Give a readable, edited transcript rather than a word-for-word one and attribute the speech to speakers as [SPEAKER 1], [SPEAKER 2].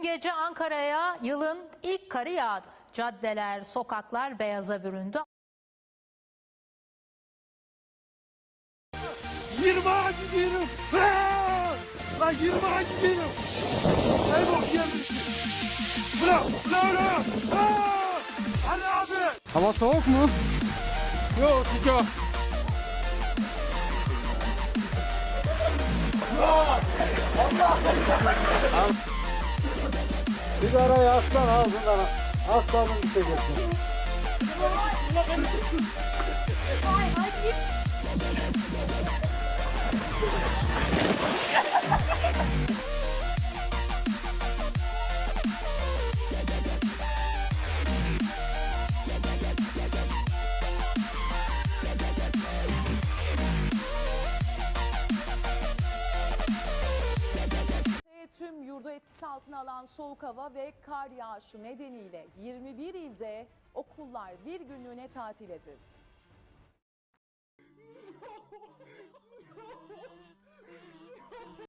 [SPEAKER 1] Gece Ankara'ya yılın ilk karı yağdı. Caddeler, sokaklar beyaza büründü.
[SPEAKER 2] 20 gidiyorum. Lan 20 gidiyorum. Ey bok yemişsin. Bırak. Hadi abi.
[SPEAKER 3] Hava soğuk mu?
[SPEAKER 2] Yok sıcak.
[SPEAKER 3] Sigarayı aslan ağzından aslanın içeceksin.
[SPEAKER 4] Tüm yurdu etkisi altına alan soğuk hava ve kar yağışı nedeniyle 21 ilde okullar bir günlüğüne tatil edildi.